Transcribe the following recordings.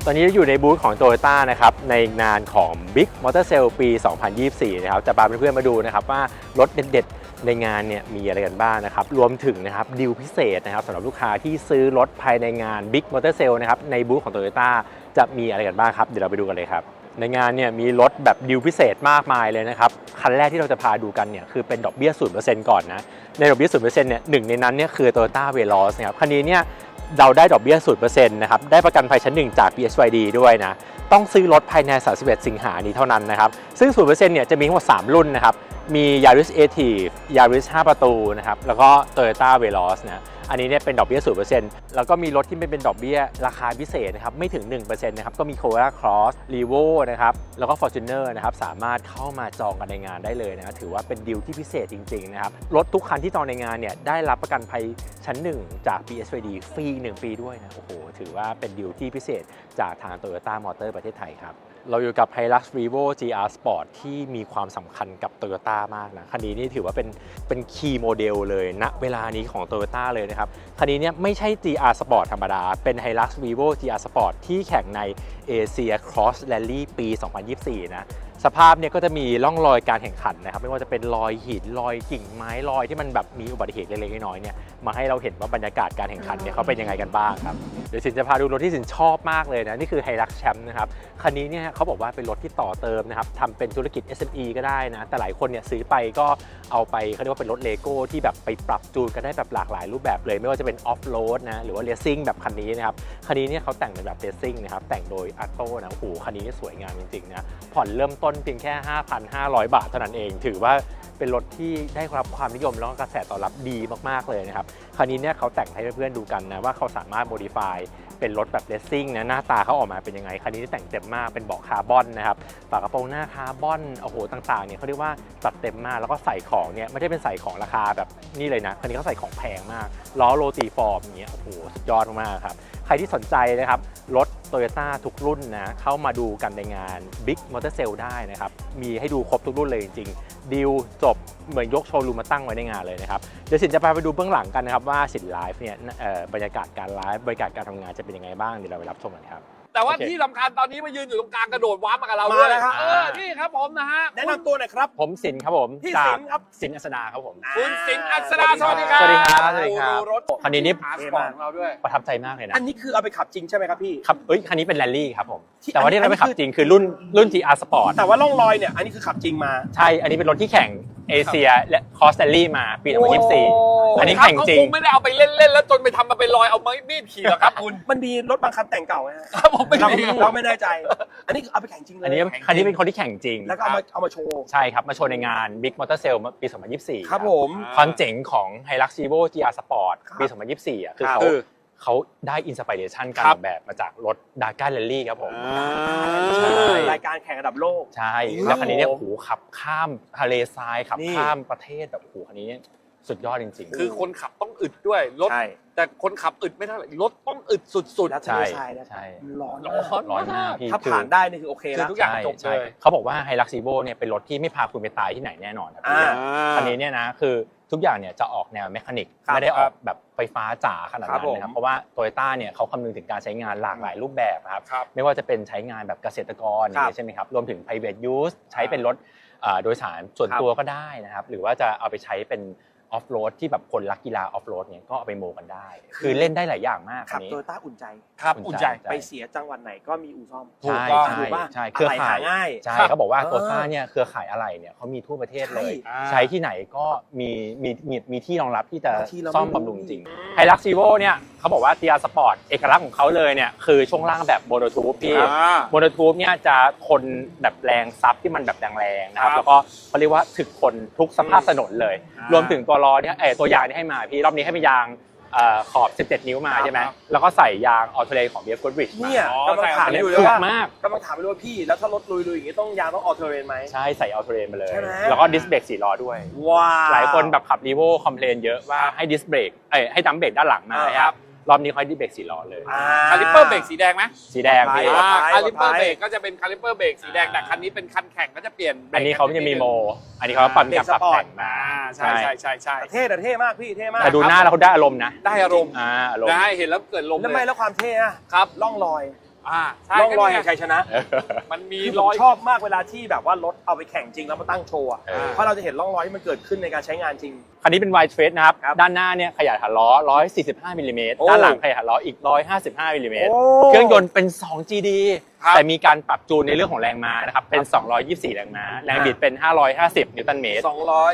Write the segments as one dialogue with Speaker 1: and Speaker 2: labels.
Speaker 1: ตอนนี้อยู่ในบูธของ Toyota นะครับในงานของ Big Motor Sale ปี 2024 นะครับจะพาเพื่อนๆมาดูนะครับว่ารถเด็ดๆในงานเนี่ยมีอะไรกันบ้างนะครับรวมถึงนะครับดีลพิเศษนะครับสำหรับลูกค้าที่ซื้อรถภายในงาน Big Motor Sale นะครับในบูธของ Toyota จะมีอะไรกันบ้างครับเดี๋ยวเราไปดูกันเลยครับในงานเนี่ยมีรถแบบดีลพิเศษมากมายเลยนะครับคันแรกที่เราจะพาดูกันเนี่ยคือเป็นดอกเบี้ย 0% ก่อนนะในดอกเบี้ย 0% เนี่ยหนึ่งในนั้นเนี่ยคือ Toyota Veloz นะครับคันนี้เนี่ยเราได้ดอกเบี้ย 0% นะครับได้ประกันภัยชั้น 1 จาก BSYD ด้วยนะต้องซื้อรถภายใน31 สิงหานี้เท่านั้นนะครับซึ่ง 0% เนี่ยจะมีทั้งหมด3รุ่นนะครับมี Yaris Active Yaris 5 ประตูนะครับแล้วก็ Toyota Veloz นะอันนี้เนี่ยเป็นดอกเบี้ย 0% แล้วก็มีรถที่ไม่เป็นดอกเบี้ยราคาพิเศษนะครับไม่ถึง 1% นะครับก็มี Corolla Cross Revo นะครับแล้วก็ Fortuner นะครับสามารถเข้ามาจองกันในงานได้เลยนะถือว่าเป็นดีลที่พิเศษจริงๆนะครับรถทุกคันที่จองในงานเนี่ยได้รับประกันภัยชั้น 1 จาก BSYD ฟรี1 ปีด้วยนะโอ้โหถือว่าเป็นดีลที่พิเศษจากทาง Toyota Motor ประเทศไทยครับเราอยู่กับ Hilux Revo GR Sport ที่มีความสำคัญกับ Toyota มากนะคันนี้นี่ถือว่าเป็นคีย์โมเดลเลยณเวลานี้ของ Toyota เลยนะครับคันนี้เนี่ยไม่ใช่ GR Sport ธรรมดาเป็น Hilux Revo GR Sport ที่แข่งใน Asia Cross Rally ปี 2024 นะสภาพเนี่ยก็จะมีร่องรอยการแข่งขันนะครับไม่ว่าจะเป็นรอยหินรอยกิ่งไม้รอยที่มันแบบมีอุบัติเหตุเล็กๆน้อยๆเนี่ยมาให้เราเห็นว่าบรรยากาศการแข่งขันเนี่ยเขาเป็นยังไงกันบ้างครับเดี๋ยวสินจะพาดูรถที่สินชอบมากเลยนะนี่คือ Hilux Champ นะครับคันนี้เนี่ยเขาบอกว่าเป็นรถที่ต่อเติมนะครับทำเป็นธุรกิจ SME ก็ได้นะแต่หลายคนเนี่ยซื้อไปก็เอาไปเขาเรียกว่าเป็นรถเลโก้ที่แบบไปปรับจูนกันได้แบบหลากหลายรูปแบบเลยไม่ว่าจะเป็นออฟโรดนะหรือว่าเรซซิ่งแบบคันนี้นะครับคันนี้เนี่ยเขาแต่งเป็นแบบเรซซิ่งนะครับแต่งโดยอัตโต้นะโอ้โหคันนี้สวยงามจริงๆนะผ่อนเริ่มต้นเพียงแค่ 5,500 บาทเท่านั้นเองถือว่าเป็นรถที่ได้รับความนิยมแล้วก็กระแสตอบรับดีมากๆเลยนะครับคันนี้เนี่ยเขาแต่งให้เพื่อนๆดูกันนะว่าเขาสามารถโมดิฟายเป็นรถแบบเรซซิ่งนะหน้าตาเขาออกมาเป็นยังไงคันนี้แต่งเต็มมากเป็นเบาะคาร์บอนนะครับฝากระโปรงหน้าคาร์บอนโอ้โหต่างๆเนี่ยเขาเรียกว่าจัดเต็มมากแล้วก็ใส่ของเนี่ยไม่ได้เป็นใส่ของราคาแบบนี่เลยนะคันนี้เขาใส่ของแพงมากล้อโรตีฟอร์มอย่างเงี้ยโอ้โหสุดยอดมากครับใครที่สนใจนะครับรถ Toyota ทุกรุ่นนะเข้ามาดูกันในงาน Big Motor Sale ได้นะครับมีให้ดูครบทุกรุ่นเลยจริงๆดีลจบเหมือนยกโชว์รูมมาตั้งไว้ในงานเลยนะครับเดี๋ยวสินจะพาไปดูเบื้องหลังกันนะครับว่าสินไลฟ์เนี่ยบรรยากาศการไลฟ์บรรยากาศการทำงานจะเป็นยังไงบ้างเดี๋ยวเราไปรับชมกันครับ
Speaker 2: แต่ว่าที่สำคัญตอนนี้มายืนอยู่ตรงกลางกระโดดว้าร์ปมากับเราด้วยนี่ครับผมนะฮะ
Speaker 3: แนะนำตัวหน่อยครับ
Speaker 1: ผมสินครับผม
Speaker 3: พี่สินครับ
Speaker 1: สินอัศดาครับผม
Speaker 2: คุณสินอัศดาสวัสดีครับ
Speaker 1: สวัสดีครับสวัสดีครับ
Speaker 2: รถ
Speaker 1: คันนี้นี่
Speaker 2: อาร์สปอร์ตของเราด้วย
Speaker 1: ประทับใจมากเลยนะ
Speaker 3: อันนี้คือเอาไปขับจริงใช่ไหมครับพี่
Speaker 1: ครับคันนี้เป็นแรลลี่ครับผมแต่ว่าที่เราไปขับจริงคือรุ่น GR Sport
Speaker 3: แต่ว่าร่องรอยเนี่ยอันนี้คือขับจริงมา
Speaker 1: ใช่อันนี้เป็นรถที่แข่งเอเชียและคอสแตลลี่มาปี2024อันนี้แข่งจริง
Speaker 2: เขาคงไม่ได้เอาไปเล่นๆแล้วจนไปทำมาเป็นรอยเอามีดขี่หรอกครับคุณ
Speaker 3: มันมีรถบางคันแต่งเก่าไหม
Speaker 2: ครับผมไม่มี
Speaker 3: เราไม่แน่ใจอันนี้คือเอาไปแข่งจริงเลย
Speaker 1: อันนี้คันนี้เป็นคนที่แข่งจริง
Speaker 3: แล้วก็เอามาโชว์
Speaker 1: ใช่ครับมาโชว์ในงาน Big Motor Sale ปี 2024
Speaker 3: ครับผม
Speaker 1: ความเจ๋งของ Hilux Revo GR Sport ปี 2024อ่ะคือเขาได้อินสปิเรชันการออกแบบมาจากรถดาก้าแรลลี่ครับผม
Speaker 3: รายการแข่งระดับโลก
Speaker 1: ใช่แล้วคันนี้เนี่ยโอ้โหขับข้ามทะเลทรายขับข้ามประเทศแบบโอ้โหคันนี้สุดยอดจริง
Speaker 2: ๆคือคนขับต้องอึดด้วยรถแต่คนขับอึดไม่เท่าไหร่รถต้องอึดสุด
Speaker 3: ๆใช่
Speaker 1: ร้อนมาก
Speaker 3: ถ้าผ่านได้นี่คือโอเคแล้ว
Speaker 2: ทุกอย่างจบเลย
Speaker 1: เขาบอกว่า Hilux Revo เนี่ยเป็นรถที่ไม่พาคุณไปตายที่ไหนแน่นอนครับคันนี้เนี่ยนะคือทุกอย่างเนี่ยจะออกแนวเมคานิกไม่ได้ออกแบบไฟฟ้าจ๋าขนาดนั้นนะครับเพราะว่า Toyota เนี่ยเขาคำนึงถึงการใช้งานหลากหลายรูปแบบครับไม่ว่าจะเป็นใช้งานแบบเกษตรกรใช่ไหมครับรวมถึง private use ใช้เป็นรถโดยสารส่วนตัวก็ได้นะครับหรือว่าจะเอาไปใช้เป็นออฟโรดที่แบบคนรักกีฬาออฟโรดเนี่ยก็เอาไปโมกันได้คือเล่นได้หลายอย่างมาก
Speaker 3: ขับโตโยต้าอุ่นใจ
Speaker 1: ครับอุ่นใจ
Speaker 3: ไปเสียจังหวัดไหนก็มีอู่ซ่อม
Speaker 1: ถูกใช่เครือข่ายง่ายใช่เขาบอกว่าโตโยต้าเนี่ยเครือข่ายอะไรเนี่ยเขามีทั่วประเทศเลยใช้ที่ไหนก็มีที่รองรับที่จะซ่อมบำรุงจริง Hilux Revo เนี่ยเขาบอกว่า GR Sport เอกลักษณ์ของเขาเลยเนี่ยคือช่วงล่างแบบโมโนทูบพี่โมโนทูบเนี่ยจะทนแบบแรงซับที่มันแบบแรงๆนะครับแล้วก็เขาเรียกว่าถึกทนทุกสภาพถนนเลยรวมถึงตัวล้อเนี่ยตัวยางที่ให้มาพี่รอบนี้ให้เป็นยางขอบ17 นิ้วมาใช่ไหมแล้วก็ใส่ยางออโตเลของ BF Goodrich
Speaker 3: เนี่ยกำลังถามอยู่เลยว่ากำลังถามอยู่ว่าพี่แล้วถ้ารถลุยๆอย่างนี้ต้องยางต้องออโตเลไหม
Speaker 1: ใช่ใส่ออโตเลมาเลยแล้วก็ดิสเบรก4 ล้อด้วยหลายคนแบบขับ Revo คอมเพลนเยอะว่าให้ดิสเบรกให้ดัมเบรกด้านหลังมาครับรอบนี้เขาดิสเบรก4 ล้อเลย
Speaker 2: คาลิปเปอร์เบรกสีแดงไหม
Speaker 1: สีแดงพี่
Speaker 2: คาลิปเปอร์เบรกก็จะเป็นคาลิปเปอร์เบรกสีแดงแต่คันนี้เป็นคันแข่งก็จะเปลี่ยน
Speaker 1: อันนี้เขาจะมีโมอันนี้เขาปรับแต่งมา
Speaker 2: ใช่
Speaker 3: เท่มากพี่เท่มาก
Speaker 1: แต่ดูหน้าแล้วเขาได้อารมณ์นะ
Speaker 2: ได้อารมณ์
Speaker 1: อารมณ์
Speaker 2: ได้เห็นแล้วเกิดลม
Speaker 3: แล้วไม่แล้วความเท่อะ
Speaker 2: ครับ
Speaker 3: ล่องรอย
Speaker 2: ใช่
Speaker 3: ร่องรอยแห่งชัยชนะ
Speaker 2: มันมี
Speaker 3: คือ
Speaker 2: ร
Speaker 3: ผม
Speaker 2: อย
Speaker 3: ชอบมากเวลาที่แบบว่ารถเอาไปแข่งจริงแล้วมาตั้งโชว์อะ เพราะเราจะเห็นร่องรอยที่มันเกิดขึ้นในการใช้งานจริง
Speaker 1: คันนี้เป็น wide face นะครับ
Speaker 3: ครับ
Speaker 1: ด้านหน้าเนี่ยขยายฐานล้อ 145 มิลลิเมตร
Speaker 3: โอ้
Speaker 1: ด้านหลังขยายฐานล้ออีก 155 มิลลิเมตร
Speaker 3: โอ้
Speaker 1: เครื่องยนต์เป็น 2 GD
Speaker 2: ครับ
Speaker 1: แต่มีการปรับจูนในเรื่องของแรงม้านะครับ เป็น 224 แรงม้า แรงบิดเป็น 550 นิวตันเมตร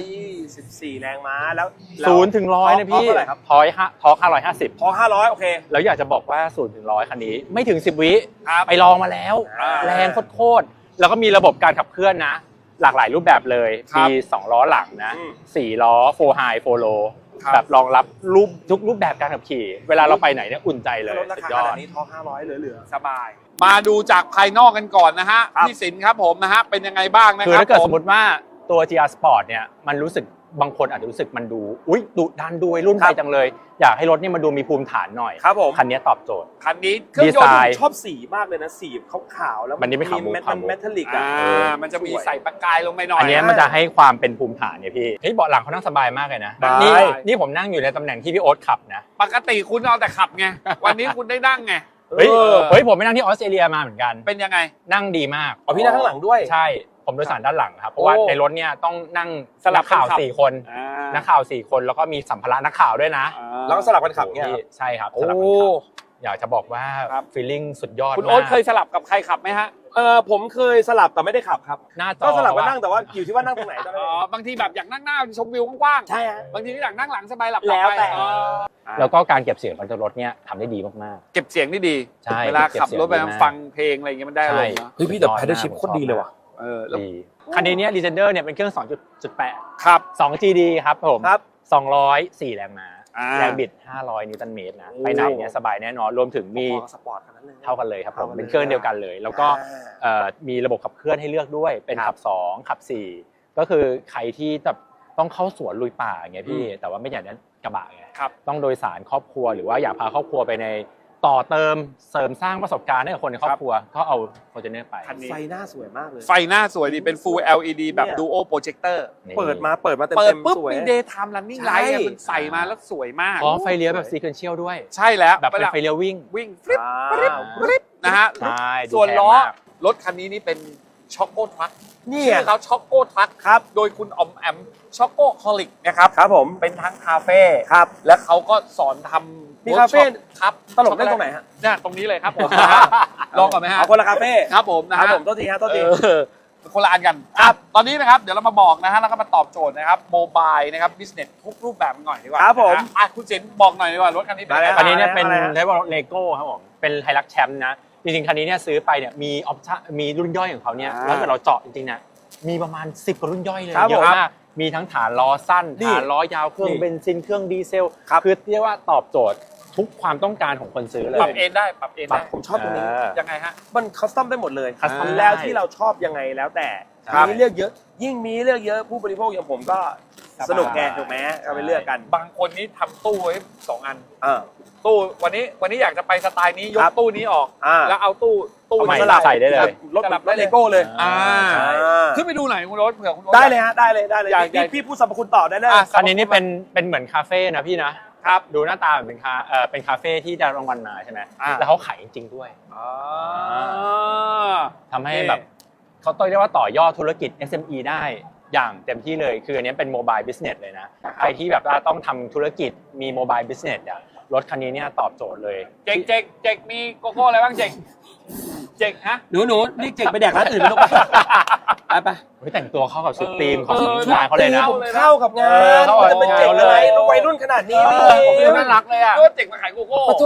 Speaker 3: 224 แรงม้าแล้ว
Speaker 1: 0 ถึง 100 นะพี่
Speaker 3: เท่าไหร่ครับ
Speaker 1: ทอร์ค550
Speaker 3: พอ500โอเค
Speaker 1: แล้วอยากจะบอกว่า 0 ถึง 100 คันนี้ไม่ถึง 10 วิ
Speaker 2: ครับ
Speaker 1: ไปลองมาแล้ว แรงโคตรๆแล้วก็มีระบบการขับเคลื่อนนะ หลากหลายรูปแบบเลย
Speaker 2: ครับ
Speaker 1: มี 2 ล้อหลังนะ
Speaker 3: อืม
Speaker 1: 4 ล้อ 4 high 4 low
Speaker 2: ครับ
Speaker 1: แบบรองรับทุกรูปแบบการขับขี่ เวลาเราไปไหนเนี่ยอุ่นใจเลย
Speaker 3: รถรา
Speaker 1: สุด
Speaker 3: คาย
Speaker 1: อ
Speaker 3: ข
Speaker 1: ด
Speaker 3: นาดนี้ทอ500เหลือ
Speaker 2: สบาย มาดูจากภายนอกกันก่อนนะฮะ
Speaker 3: ครับ
Speaker 2: พี่สินครับผมนะฮะเป็นยังไงบ้างนะ
Speaker 1: คือ
Speaker 2: ครับ
Speaker 1: ถ้าเกิด
Speaker 2: ผ
Speaker 1: สมมติว่าตัว GR Sport เนี่ยมันรู้สึกบางคนอาจจะรู้สึกมันดูดุดันดูวัยรุ่น
Speaker 3: ครั
Speaker 1: ไป
Speaker 3: บ
Speaker 1: จังเลย อยากให้รถเนี่ยมันดูมีภูมิฐานหน่อย
Speaker 3: ครับผม
Speaker 1: คันนี้ตอบโจทย์
Speaker 2: คันนี้เครื่องยน
Speaker 1: ดีไซ
Speaker 2: ต์
Speaker 1: น์
Speaker 3: ชอบสีมากเลยนะสีขาวๆแล้ว
Speaker 1: มันนี่ไม่ขาวมุก
Speaker 3: มัน
Speaker 1: ขาวมุก
Speaker 3: เมทัลลิก
Speaker 2: อ่า
Speaker 3: อ่ะ
Speaker 2: มันจะมีใส่ประกายลงไปหน่อย
Speaker 1: อันเนี้ยมันจะให้ความเป็นภูมิฐานเนี่ยพี่เฮ้ยเบาะหลังเขานั่งสบายมากเลยนะ
Speaker 3: สบาย
Speaker 1: นี่ผมนั่งอยู่ในตำแหน่งที่พี่โอ๊ตขับนะ
Speaker 2: ปกติคุณเอาแต่ขับไง วันนี้คุณได้นั่งไง
Speaker 1: เฮ้ย
Speaker 2: เออ
Speaker 1: เฮ้ยผมไปนั่งที่ออสเตรเลียมาเหมือนกัน
Speaker 2: เป็นยังไง
Speaker 1: นั่งดีมาก
Speaker 3: อ๋อพี่นั่งข้างหลังด้วย
Speaker 1: ใช่ผมโดยสารด้านหลังครับเพราะว่า
Speaker 3: โอ้
Speaker 1: ในรถเนี่ยต้องนั่ง
Speaker 2: สลับ
Speaker 1: นักข่าว
Speaker 2: กันขับ
Speaker 1: 4 คน
Speaker 2: อ่า
Speaker 1: นักข่าว4 คนแล้วก็มีสัมภาระนักข่าวด้วยนะ
Speaker 3: แล้วก็สลับกันขับเนี่ย
Speaker 1: โอ้โหพี่ใช่ครับ
Speaker 3: โอ้
Speaker 1: สลับกันขับอยากจะบอกว่า
Speaker 2: ครับ
Speaker 1: ฟีลลิ่งสุดยอด
Speaker 2: คุณ
Speaker 1: มา
Speaker 2: โอ๊ต
Speaker 1: ก
Speaker 2: เคยสลับกับใครขับไหมฮะ
Speaker 3: ผมเคยสลับแต่ไม่ได้ขับครับ
Speaker 1: หน้าจอ
Speaker 3: ก็สลับกันนั่งแต่ว่าอยู่ที่ว่านั่งตรงไหนตอน
Speaker 2: อ๋
Speaker 3: นั้
Speaker 2: อน บางทีแบบอยากนั่งหน้าชมวิวกว้าง
Speaker 3: ใช่ฮะ
Speaker 2: ๆบางทีก็อยากนั่งหลังสบายหลับ
Speaker 3: แล้วแต่
Speaker 2: ไปอ๋อ
Speaker 1: แล้วก็การเก็บเสียงบนรถเนี่ยทำได้ดีมาก
Speaker 2: เก็บเสียงได้ดี
Speaker 1: ใช่
Speaker 2: เวลาขับรถไป
Speaker 1: เก็บเสียงดีมาก
Speaker 2: ฟังเพลงอะไรอย่างเงี้ยมันได้อารมณ์นะ
Speaker 3: เฮ้ยพี่แต่ Pedal Shift โคตรดีเลยว่ะ
Speaker 2: เออ
Speaker 1: ๆ
Speaker 2: แล้ว
Speaker 1: ดีคันนี้เนี่ย Legender เนี่ยเป็นเครื่อง 2.8
Speaker 2: ครับ
Speaker 1: 2 GD ครับผม
Speaker 3: ครับ
Speaker 1: 204 แรงม้า
Speaker 2: อ่า
Speaker 1: แรงบิด 500 นิวตันเมตรนะ
Speaker 3: โอ้
Speaker 1: ไปไหนเนี่ยสบายแน่นอนรวมถึงมี
Speaker 3: สปอร์ตขนาดนั้นเลย
Speaker 1: เท่ากันเลยครับผม
Speaker 3: เท่ากันเลย
Speaker 1: เป็นเครื่องเดียวกันเลย แล้วก็มีระบบขับเคลื่อนให้เลือกด้วยเป็น
Speaker 3: ครั
Speaker 1: ขั
Speaker 3: บ
Speaker 1: บ 2 ขับ 4 ก็คือใครที่แบบต้องเข้าสวนลุยป่าอย่างเงี้ยพี่แต่ว่าไม่อยากนั้นกระบะไง
Speaker 2: ครับ
Speaker 1: ต้องโดยสารครอบครัวหรือว่าอยากพาครอบครัวไปในต่อเติมเสริมสร้างประสบการณ์ให้กับคนในครอบครัวก็เอา Fortuner ไป
Speaker 2: คันนี้
Speaker 3: ไฟหน้าสวยมากเลย
Speaker 2: ไฟหน้าสวยดีเป็น Full LED แบบ
Speaker 3: เนี่ย
Speaker 2: Duo Projector
Speaker 1: นี่
Speaker 3: เปิดมาเต็ม
Speaker 2: เปิดปุ๊บ
Speaker 3: สวย
Speaker 2: มี Daytime Running
Speaker 3: ใช่
Speaker 2: Light มันใส่มาแล้วสวยมาก
Speaker 1: พร้อมไฟเลี้ยวแบบ sequential ด้วย
Speaker 2: ใช่แล้ว
Speaker 1: แบบเป็น
Speaker 2: วลา
Speaker 1: ไฟเลี้ยววิ่ง
Speaker 2: วิ่งฟลิป
Speaker 3: อ่า
Speaker 2: ฟลิปนะฮะ
Speaker 1: ใช่ดู
Speaker 2: ส่วน
Speaker 1: แพง
Speaker 2: ล้อ
Speaker 1: มาก
Speaker 2: รถคันนี้นี่เป็นช็อกโกทรัค
Speaker 3: นี่
Speaker 2: ชื่อเขาช็อกโกทรัค
Speaker 3: ครับ
Speaker 2: โดยคุณออมแอมช็อกโกฮอลิกนะครับ
Speaker 3: ครับผม
Speaker 2: เป็นทั้งคาเฟ่
Speaker 3: ครับ
Speaker 2: และเขาก็สอนทำ
Speaker 3: มีคาเฟ่
Speaker 2: ครับ
Speaker 3: ตลกเล่นตรงไหนฮะ
Speaker 2: เนี่ยตรงนี้เลยครับผมลองก่อนไหมฮะ
Speaker 3: เอาคนละคาเฟ่
Speaker 2: ครับผมนะ
Speaker 3: ครั
Speaker 2: ฮะ
Speaker 3: บผมโทษทีฮะโทษที
Speaker 2: คนละอันกันครับตอนนี้นะครับเดี๋ยวเรามาบอกนะฮะแล้วก็มาตอบโจทย์นะครับโมบายนะครับบิสเนสทุกรูปแบบกันหน่อยดีกว่า
Speaker 3: ครับผม
Speaker 2: นะฮะอ่ะคุณเจนบอกหน่อยดีกว่ารถคันนี้เป็นยังไง
Speaker 3: ได้
Speaker 1: คันนี้เนี่ยเป็น
Speaker 3: อะไรฮะ
Speaker 1: เรียกว่าเลโก้ครับผมเป็นไฮรักแชมป์นะจริงๆคันนี้เนี่ยซื้อไปเนี่ยมีออปชั่นมีรุ่นย่อยของเขาเนี่ยแล้วเกิดเราเจาะจริงๆเนี่ยมีประมาณ10กว่ารุ่นย่อยเลย
Speaker 3: ครับ
Speaker 1: เยอะ
Speaker 3: ผม
Speaker 1: มากมีทั้งฐานล้อสั้น
Speaker 3: นี่
Speaker 1: ฐานล้อยาวเครื่อง
Speaker 3: นี่
Speaker 1: เบนซินเครื่องดีเซล
Speaker 3: ครับ
Speaker 1: คือเรียกว่าตอบโจทย์ทุกความต้องการของคนซื้อเลย
Speaker 2: ปรับเอนได้ปรับเอน
Speaker 3: ปรั
Speaker 2: ได้
Speaker 3: บผมชอบตรงนี้
Speaker 2: ยังไงฮะ
Speaker 3: มันคัสตอมได้หมดเลย
Speaker 1: คัสตอมได้
Speaker 3: แล้วที่เราชอบยังไงแล้วแต่
Speaker 1: ครับ
Speaker 3: มีเลือกเยอะ ยิ่งมีเลือกเยอะผู้บริโภคอย่างผมก็สนุกแกถูกไหมก็ไปเลือกกัน
Speaker 2: บางคนนี่ทำตู้ไว้2 อัน
Speaker 3: อ่า
Speaker 2: ตู้วันนี้อยากจะไปสไตล์นี้ย
Speaker 3: ครั
Speaker 2: ก
Speaker 3: บ
Speaker 2: ตู้นี้ออก
Speaker 3: อ่า
Speaker 2: แล้วเอาตู้
Speaker 1: เอาใหม่
Speaker 2: สลับ
Speaker 1: ใส่ได้เลย
Speaker 3: รถเลโก้เลย
Speaker 2: อ่า
Speaker 1: ใช่
Speaker 2: ขึ้นไปดูหน่อยคุณโรสเผื่อคุณโรส
Speaker 3: ได้เลยฮะได้เลยได้เลย
Speaker 2: อยาก
Speaker 3: พี่พูดสรรพคุณต่อได้เลย
Speaker 2: อ่ะ
Speaker 1: คันนี้นี่เป็นเหมือนคาเฟ่นะพี่นะครับ ดูหน้าตาเหมือนเป็นคาเฟ่ที่ได้รางวัลมาใช่ไหม
Speaker 2: อ่า
Speaker 1: แล้วเขาขายจริงๆด้วย
Speaker 2: อ่า
Speaker 1: ทำให้แบบเขาต้องเรียกว่าต่อยอดธุรกิจ SME ได้อย่างเต็มที่เลย คืออันนี้เป็นโมบายบิสเนสเลยนะ ใครที่แบบว่าต้องทำธุรกิจมีโมบายบิสเนสอ่ะรถคันนี้เนี่ยตอบโจทย์เลย
Speaker 2: เจ๊กมีโกโก้อะไรบ้างเจ๊กฮะ
Speaker 3: หนูนี่เก่งไปแดกร้านอื่นไปลูกไปไป
Speaker 1: เฮ้ยแต่งตัวเข้ากับชุดธีมของ
Speaker 2: เออ
Speaker 1: งานเขาเลยนะ
Speaker 2: ชุด
Speaker 3: เข้ากับงาน
Speaker 1: เข้ากับ
Speaker 3: จะเป็นเจ๋งอะไรวัยรุ่นขนาดนี้
Speaker 2: ผมน่ารักเลยอ่ะก็เจ๊กมาขายโกโก้
Speaker 3: โอ้โถ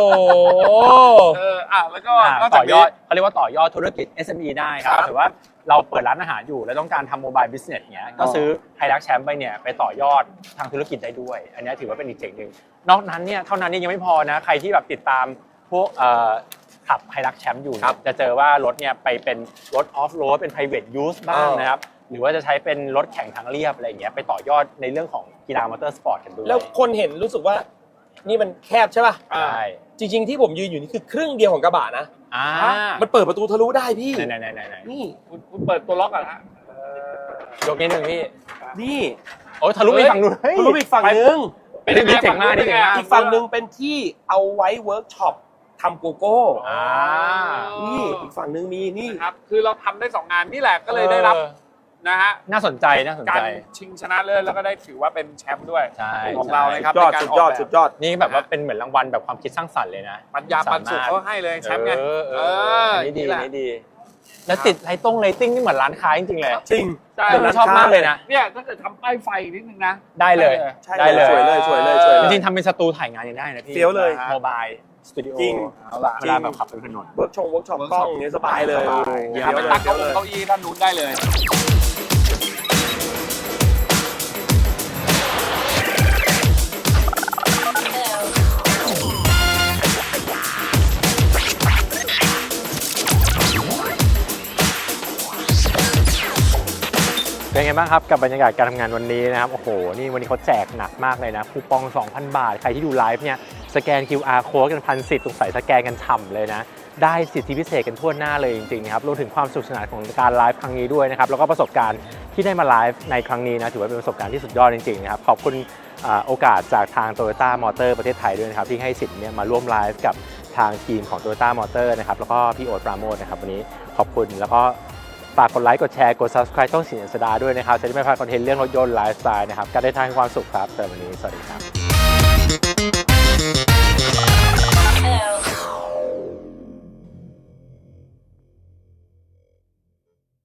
Speaker 2: แล้วก็
Speaker 1: อ่าน
Speaker 2: อกจา
Speaker 1: ต่
Speaker 2: ก
Speaker 1: อย
Speaker 2: นี้
Speaker 1: อดเขาเรียกว่าต่อยอดธุรกิจ SME ได้ครับถือว่าเราเปิดร้านอาหารอยู่แล้วต้องการทำโมบายบิสเนสเนี้ยก็ซื้อไฮรักแชมป์ไปเนี่ยไปต่อยอดทางธุรกิจได้ด้วย อันนี้ถือว่าเป็นอีกเจ๋งหนึ่งนอกนั้นเนี่ยเท่านั้นเนี่ยยังไม่พอนะใครที่แบบติดตามพวกขับไฮรักแชมป์อยู่เนี่ยจะเจอว่ารถเนี่ยไปเป็นรถออฟโรดเป็น private use บ้างนะครับหรือว่าจะใช้เป็นรถแข่งทางเรียบอะไรอย่างเงี้ยไปต่อยอดในเรื่องของกีฬามอเตอร์สปอร์ตกันด้วย
Speaker 3: แล้วคนเห็นรู้สึกว่านี่มันแคบใช่ป่ะ
Speaker 1: ใช่
Speaker 3: จริงๆที่ผมยืนอยู่นี่คือครึ่งเดียวของกระบะนะ มันเปิดประตูทะลุได้พี่
Speaker 1: ไหน
Speaker 3: นี่
Speaker 2: คุณเปิดตัวล็อกก่อนฮะ
Speaker 1: ยกนิดนึงพี่
Speaker 3: นี่
Speaker 1: โอ้ยทะลุไปฝั่งนู้นเฮ้ย
Speaker 3: ทะลุไปอีกฝั่งนึง
Speaker 1: เป็นเจ๋งมากนี่เจ๋งมาก
Speaker 3: อีกฝั่งนึงเป็นที่เอาไว้เวิร์กช็อปทำโกโก้
Speaker 1: อ่า
Speaker 3: นี่อีกฝั่งนึงมีนี่
Speaker 2: นะครับคือเราทำได้ 2 งานนี่แหละก็เลยได้รับนะฮะ
Speaker 1: น่าสนใจน่าสน
Speaker 2: การ
Speaker 1: ใจ
Speaker 2: ชิงชนะเลิศแล้วก็ได้ถือว่าเป็นแชมป์ด้วย
Speaker 1: ใช่
Speaker 2: ของเรานะครับ
Speaker 3: ยอด
Speaker 2: ในการ
Speaker 3: สุดยอด
Speaker 2: กแบบ
Speaker 3: สุดยอด
Speaker 1: นี่แบบว่าเป็นเหมือนรางวัลแบบความคิดสร้างสรรค์เลยนะ
Speaker 2: ปัญญาปันสุขเขาให้เลยแชมป์ไง
Speaker 1: อันนี้ดี
Speaker 2: แหละ
Speaker 1: อันนี้ดี แล้วติดไลติ้งนี่เหมือนร้านค้าจริงๆเลย
Speaker 3: จริง
Speaker 2: ใช่
Speaker 1: ผมชอบมากเลยนะ
Speaker 2: เนี่ยถ้าเกิดทำป้ายไฟนิดนึงนะ
Speaker 1: ได้เลย
Speaker 3: ใช่
Speaker 1: ได้เลย
Speaker 3: สวยเลยสวยเลยสวย
Speaker 1: จ
Speaker 3: เลย
Speaker 1: ริงๆทำเป็นสตูถ่ายงานยังได้นะพี่
Speaker 3: เฟี้ยวเลย
Speaker 1: โมบายสตูดิโอ
Speaker 3: จริง
Speaker 2: เอาล่ะ
Speaker 1: เวลาแบบขับไปถนน
Speaker 3: เวิร์กช็อปกล้องอย่างเงี้ยสบายเลย
Speaker 2: เดี๋ยวไปตั้งเก้าอี้ด้านนู้นได้เลย
Speaker 1: เป็นไงบ้างครับกับบรรยากาศการทำงานวันนี้นะครับโอ้โหนี่วันนี้เขาแจกหนักมากเลยนะคูปอง 2,000 บาทใครที่ดูไลฟ์เนี่ยสแกน QR code กัน1,010ตรงใส่สแกนกันฉ่ำเลยนะได้สิทธิพิเศษกันทั่วหน้าเลยจริงๆนะครับรวมถึงความสนุกสนานของการไลฟ์ครั้งนี้ด้วยนะครับแล้วก็ประสบการณ์ที่ได้มาไลฟ์ในครั้งนี้นะถือว่าเป็นประสบการณ์ที่สุดยอดจริงๆนะครับขอบคุณโอกาสจากทาง Toyota Motor ประเทศไทยด้วยนะครับที่ให้สิทธิ์เนี่ยมาร่วมไลฟ์กับทางทีมของ Toyota Motor นะครับแล้วก็พี่โอ๊ตปราโมชนะครับวันนี้ขอบคุณแล้วก็ฝากกดไลค์กดแชร์กด Subscribe ช่องสินสดาด้วยนะครับจะได้ไม่พลาดคอนเทนต์เรื่องรถยนต์ไลฟ์สไตล์นะครับการเดินทางให้ความสุขครับแต่วันนี้สวัสดีครับ